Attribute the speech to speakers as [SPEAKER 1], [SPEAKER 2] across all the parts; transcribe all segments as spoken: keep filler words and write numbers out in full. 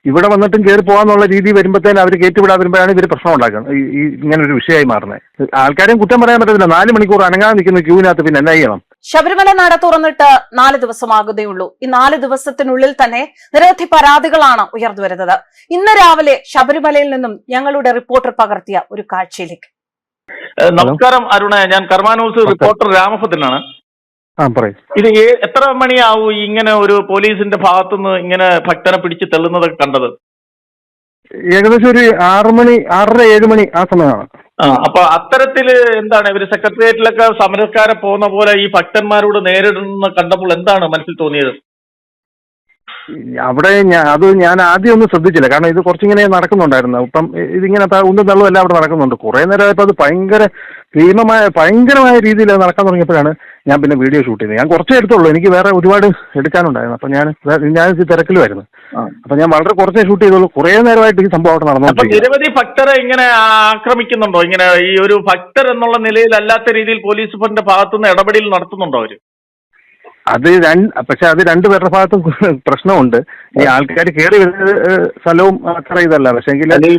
[SPEAKER 1] ഇവിടെ വന്നിട്ടും കയറി പോകാന്നുള്ള രീതി വരുമ്പോഴത്തേനും അവർ കയറ്റിവിടാൻ വരുമ്പോഴാണ് ഇവർ പ്രശ്നം ഉണ്ടാക്കുന്നത്. ഈ ഇങ്ങനെ ഒരു വിഷയമായി മാറുന്നത്. ആൾക്കാരെയും കുറ്റം പറയാൻ പറ്റത്തില്ല. നാല് മണിക്കൂർ അനങ്ങാതെ നിൽക്കുന്ന ക്യൂവിനകത്ത് പിന്നെ എന്നാ ചെയ്യണം?
[SPEAKER 2] ശബരിമല നട തുറന്നിട്ട് നാല് ദിവസമാകുന്നേയുള്ളൂ. ഈ നാല് ദിവസത്തിനുള്ളിൽ തന്നെ നിരവധി പരാതികളാണ് ഉയർന്നു വരുന്നത്. ഇന്ന് രാവിലെ ശബരിമലയിൽ നിന്നും ഞങ്ങളുടെ റിപ്പോർട്ടർ പകർത്തിയ ഒരു കാഴ്ചയിലേക്ക്.
[SPEAKER 3] നമസ്കാരം അരുണ, ഞാൻ കർമ്മ ന്യൂസ് റിപ്പോർട്ടർ രാമഭദ്രനാണ്. ഇത് എത്ര മണിയാവും ഇങ്ങനെ ഒരു പോലീസിന്റെ ഭാഗത്തുനിന്ന് ഇങ്ങനെ ഭക്തനെ പിടിച്ച് തെള്ളുന്നതൊക്കെ കണ്ടത്?
[SPEAKER 1] ഏകദേശം ഒരു ആറ് മണി ആറര ഏഴ് മണി ആ സമയമാണ്.
[SPEAKER 3] ആ അപ്പൊ അത്തരത്തില് എന്താണ് ഇവര് സെക്രട്ടേറിയറ്റിലൊക്കെ സമരക്കാരെ പോകുന്ന പോലെ ഈ ഭക്തന്മാരോട് നേരിടുന്ന കണ്ടപ്പോൾ എന്താണ് മനസ്സിൽ തോന്നിയത്?
[SPEAKER 1] അവിടെ അത് ഞാൻ ആദ്യം ഒന്നും ശ്രദ്ധിച്ചില്ല. കാരണം ഇത് കുറച്ചിങ്ങനെ നടക്കുന്നുണ്ടായിരുന്നു. ഇപ്പം ഇതിങ്ങനെ ഉന്തും തള്ളും എല്ലാം അവിടെ നടക്കുന്നുണ്ട്. കുറെ നേരമായപ്പോൾ അത് ഭയങ്കര ഭീമമായ ഭയങ്കരമായ രീതിയിൽ അത് നടക്കാൻ തുടങ്ങിയപ്പോഴാണ് ഞാൻ പിന്നെ വീഡിയോ ഷൂട്ട് ചെയ്തത്. ഞാൻ കുറച്ചേ എടുത്തുള്ളൂ, എനിക്ക് വേറെ ഒരുപാട് എടുക്കാനുണ്ടായിരുന്നു. അപ്പൊ ഞാൻ ഞാൻ തിരക്കിലുമായിരുന്നു. അപ്പൊ ഞാൻ വളരെ കുറച്ചേ ഷൂട്ട് ചെയ്തുള്ളൂ. കുറെ നേരമായിട്ട് ഈ സംഭവം അവിടെ നടന്നു.
[SPEAKER 3] നിരവധി ഭക്തരെ ഇങ്ങനെ ആക്രമിക്കുന്നുണ്ടോ? ഇങ്ങനെ ഈ ഒരു ഭക്തർ എന്നുള്ള നിലയിൽ അല്ലാത്ത രീതിയിൽ പോലീസ് ഫണ്ടിന്റെ ഭാഗത്തുനിന്ന് ഇടപെടൽ നടത്തുന്നുണ്ടോ അവര്?
[SPEAKER 1] അത് രണ്ട് പക്ഷെ അത് രണ്ടുപേരുടെ ഭാഗത്തും പ്രശ്നമുണ്ട്. ഈ ആൾക്കാർ കയറി വരുന്ന സ്ഥലവും അത്ര ഇതല്ല. പക്ഷെ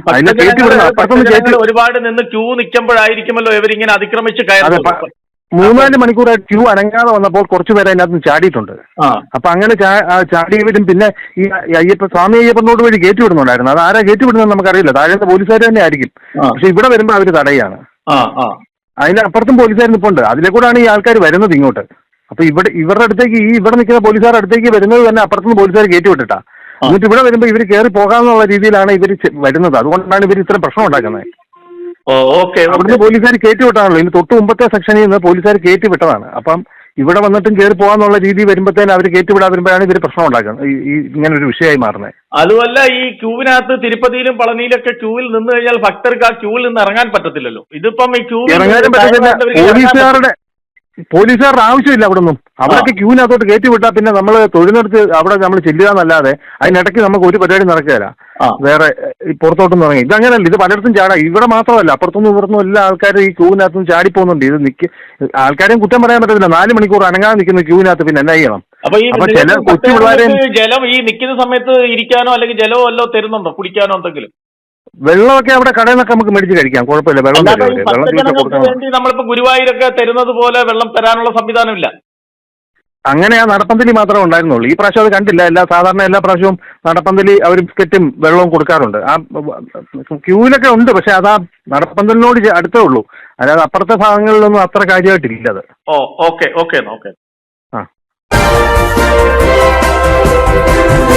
[SPEAKER 3] ഒരുപാട് നിന്ന് ക്യൂ നിൽക്കുമ്പോഴായിരിക്കുമല്ലോ ഇവരിങ്ങനെ അതിക്രമിച്ച് കയറുന്നത്.
[SPEAKER 1] മൂന്നാല് മണിക്കൂറായിട്ട് ക്യൂ അനങ്ങാതെ വന്നപ്പോൾ കുറച്ചുപേരെ അതിനകത്ത് ചാടിയിട്ടുണ്ട്. അപ്പൊ അങ്ങനെ ചാടിയവരും പിന്നെ ഈ അയ്യപ്പ സ്വാമി അയ്യപ്പനോട് വഴി കയറ്റി വിടുന്നുണ്ടായിരുന്നു. അത് ആരാ കയറ്റി വിടുന്നത് നമുക്കറിയില്ല. താഴെ പോലീസുകാർ തന്നെ ആയിരിക്കും. പക്ഷെ ഇവിടെ വരുമ്പോൾ അവര് തടയാണ്. അതിനപ്പുറത്തും പോലീസുകാർ നിൽപ്പുണ്ട്. അതിലെ കൂടാണ് ഈ ആൾക്കാർ വരുന്നത് ഇങ്ങോട്ട്. അപ്പൊ ഇവിടെ ഇവരുടെ അടുത്തേക്ക് ഈ ഇവിടെ നിൽക്കുന്ന പോലീസുകാരുടെ അടുത്തേക്ക് വരുന്നത് തന്നെ അപ്പുറത്തുനിന്ന് പോലീസുകാർ കയറ്റി വിട്ടിട്ടാ. എന്നിട്ട് ഇവിടെ വരുമ്പോൾ ഇവർ കയറി പോകാമെന്നുള്ള രീതിയിലാണ് ഇവർ വരുന്നത്. അതുകൊണ്ടാണ് ഇവർ ഇത്രയും പ്രശ്നം ഉണ്ടാക്കുന്നത്. അവിടുന്ന് പോലീസുകാർ കയറ്റി വിട്ടാണല്ലോ. ഇനി തൊട്ട് മുമ്പത്തെ സെക്ഷനിൽ നിന്ന് പോലീസുകാർ കയറ്റി വിട്ടതാണ്. അപ്പം ഇവിടെ വന്നിട്ടും കയറി പോകാന്നുള്ള രീതി വരുമ്പോഴത്തേനും അവർ കയറ്റി വിടാൻ വരുമ്പോഴാണ് ഇവർ പ്രശ്നം ഉണ്ടാക്കുന്നത്. ഈ ഇങ്ങനെ ഒരു വിഷയമായി മാറുന്നത്.
[SPEAKER 3] അതുമല്ല, ഈ ക്യൂവിനകത്ത് തിരുപ്പതിയിലും പളനിയിലൊക്കെ ക്യൂവിൽ നിന്ന് കഴിഞ്ഞാൽ ഭക്തർക്ക് ആ ക്യൂവിൽ നിന്ന് ഇറങ്ങാൻ പറ്റത്തില്ലല്ലോ. ഇതിപ്പം ഈ ക്യൂവിൽ
[SPEAKER 1] ഇറങ്ങാനും പറ്റത്തില്ല. പോലീസുകാരുടെ പോലീസുകാരുടെ ആവശ്യമില്ല. അവിടെ നിന്നും അവിടേക്ക് ക്യൂവിനകത്തോട്ട് കയറ്റി വിട്ടാൽ പിന്നെ നമ്മൾ തൊഴിലെടുത്ത് അവിടെ നമ്മൾ ചെല്ലുക എന്നല്ലാതെ അതിനിടയ്ക്ക് നമുക്ക് ഒരു പരിപാടി നടക്കുകയില്ല. വേറെ പുറത്തോട്ടൊന്നും ഇറങ്ങി ഇതങ്ങനെയല്ല. ഇത് പലയിടത്തും ചാടാം. ഇവിടെ മാത്രമല്ല, അപ്പുറത്തൊന്നും ഇവിടുന്നും എല്ലാ ആൾക്കാരും ഈ ക്യൂവിനകത്തും ചാടിപ്പോകുന്നുണ്ട്. ഇത് നിൽക്ക് ആൾക്കാരെയും കുറ്റം പറയാൻ പറ്റത്തില്ല. നാല് മണിക്കൂർ അനങ്ങാതെ നിൽക്കുന്ന ക്യൂവിനകത്ത് പിന്നെ എന്നാ ചെയ്യണം?
[SPEAKER 3] അപ്പൊ ചില കൊച്ചു പിള്ളേരെയും ജലം ഈ നിൽക്കുന്ന സമയത്ത് ഇരിക്കാനോ അല്ലെങ്കിൽ ജലമോ വല്ലോ തരുന്നുണ്ടോ കുടിക്കാനോ എന്തെങ്കിലും?
[SPEAKER 1] വെള്ളമൊക്കെ അവിടെ കടയിൽ നിന്നൊക്കെ നമുക്ക് മേടിച്ച് കഴിക്കാം, കുഴപ്പമില്ല. വെള്ളം
[SPEAKER 3] വേണ്ടി നമ്മളിപ്പോ ഗുരുവായൂരൊക്കെ തരുന്നത് പോലെ വെള്ളം തരാനുള്ള സംവിധാനമില്ല.
[SPEAKER 1] അങ്ങനെ ആ നടപ്പന്തലി മാത്രമേ ഉണ്ടായിരുന്നുള്ളൂ. ഈ പ്രാവശ്യം അത് കണ്ടില്ല. എല്ലാ സാധാരണ എല്ലാ പ്രാവശ്യവും നടപ്പന്തലി അവർ ബിസ്ക്കറ്റും വെള്ളവും കൊടുക്കാറുണ്ട്. ആ ക്യൂവിലൊക്കെ ഉണ്ട്. പക്ഷെ അതാ നടപ്പന്തലിനോട് അടുത്തേ ഉള്ളൂ. അതായത് അപ്പുറത്തെ ഭാഗങ്ങളിലൊന്നും അത്ര കാര്യമായിട്ടില്ല അത്.
[SPEAKER 3] ഓ ഓക്കെ ഓക്കെ ഓക്കെ
[SPEAKER 1] ആ